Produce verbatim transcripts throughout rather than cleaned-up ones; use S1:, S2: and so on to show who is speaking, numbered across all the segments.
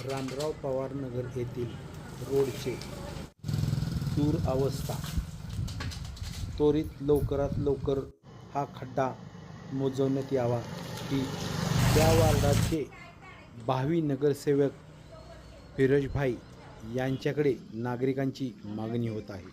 S1: रामराव पवार नगर येथील रोडचे दूर अवस्था त्वरित लवकरात लवकर हा खड्डा मोजवण्यात यावा ही त्या वार्डाचे भावी नगरसेवक फिरोजभाई यांच्याकडे नागरिकांची मागणी होत आहे.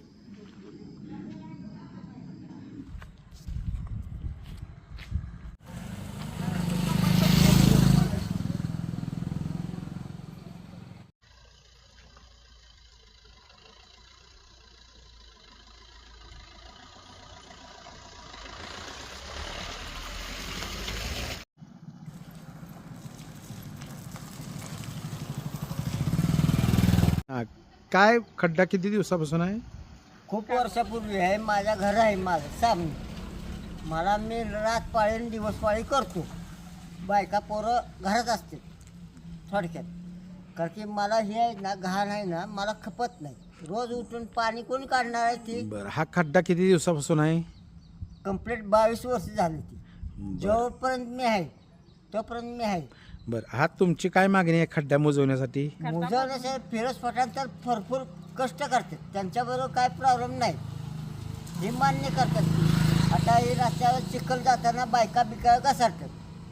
S1: हा, काय खड्डा किती दिवसापासून आहे?
S2: खूप वर्षापूर्वी आहे. माझ्या घर आहे माझं सामने. मला मी रात पाळी आणि दिवस पाळी करतो. बायका पोरं घरात असते थोडक्यात. कारण की मला हे आहे ना, घाण आहे ना, मला खपत नाही. रोज उठून पाणी कोणी काढणार आहे ती?
S1: बरं, हा खड्डा किती दिवसापासून आहे?
S2: कंप्लीट बावीस वर्ष झाली ती. जोपर्यंत मी आहे तोपर्यंत मी आहे.
S1: बरं, हा तुमची काय मागणी आहे खड्डा मोजवण्यासाठी?
S2: मुजवण्याचे फिरोज पठाण तर भरपूर कष्ट करतात, त्यांच्याबरोबर काय प्रॉब्लेम नाही, हे मान्य करतात ती. आता हे रस्त्यावर चिखल जाताना बायका बिका घसरतात.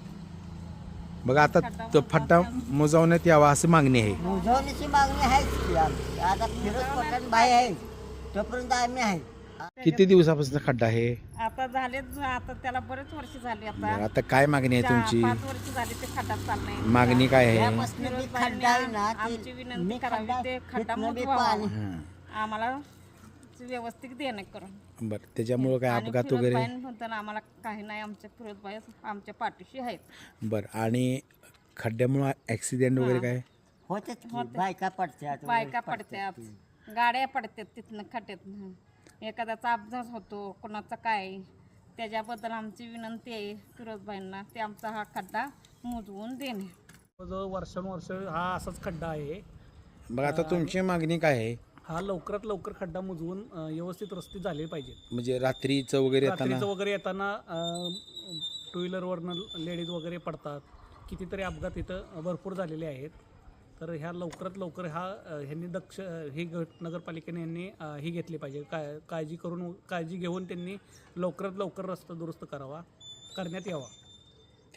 S1: बघा, आता तो खड्डा मोजवण्यात यावा अशी मागणी आहे.
S2: मुजवण्याची मागणी आहेच की आमची. आता फिरोज पठाण भाई आहे तोपर्यंत आम्ही आहे.
S1: किती दिवसापासून खड्डा आहे?
S3: आता झाले, आता त्याला बरेच वर्ष झाली.
S1: बरं,
S3: आता
S1: आता काय मागणी आहे तुमची?
S3: पाच वर्ष झाली ते खड्डा चाललंय.
S1: मागणी काय आहे?
S2: त्यापासून बी खड्डा आहे ना,
S3: आमची
S2: ते
S3: विनंती
S2: मी
S3: करावी,
S2: खड्डा
S3: ते खड्डा
S2: तिथनं बी
S3: मुजवावा.
S2: पाणी.
S1: हां,
S3: आम्हाला व्यवस्थित देणं करून.
S1: बरं, त्याच्यामुळं काय
S3: आणि
S1: अपघात वगैरे?
S3: फिरोजबाई म्हणताना आम्हाला काही नाही, आमच्या फिरोजबाई आमच्या पाठीशी आहेत.
S1: बरं, आणि खड्ड्यामुळं ॲक्सिडेंट वगैरे काय?
S2: होते बायका पडतात,
S3: बायका पडतात, गाड्या पडतात तिथनं खड्ड्यातनं, एखाद्याचा अपघात होतो, कोणाचा काय. त्याच्याबद्दल आमची विनंती आहे फिरोजबाईंना, ते आमचा हा खड्डा मुजवून देणे.
S4: जवळ वर्षानुवर्ष हा असाच खड्डा आहे.
S1: बघा, आता तुमची मागणी काय आहे?
S4: हा लवकरात लवकर खड्डा मुजवून अ, व्यवस्थित रस्ते झाले पाहिजेत.
S1: म्हणजे रात्रीचं वगैरे येताना?
S4: रात्रीचं वगैरे येताना टू व्हीलरवरनं लेडीज वगैरे पडतात. कितीतरी अपघात इथं भरपूर झालेले आहेत. तर ह्या लवकरात लवकर हा अ, ह्यांनी दक्ष ही गट नगरपालिकेने यांनी अ, ही घेतली पाहिजे, काय काळजी करून काळजी घेऊन त्यांनी लवकरात लवकर रस्ता दुरुस्त करावा करण्यात यावा.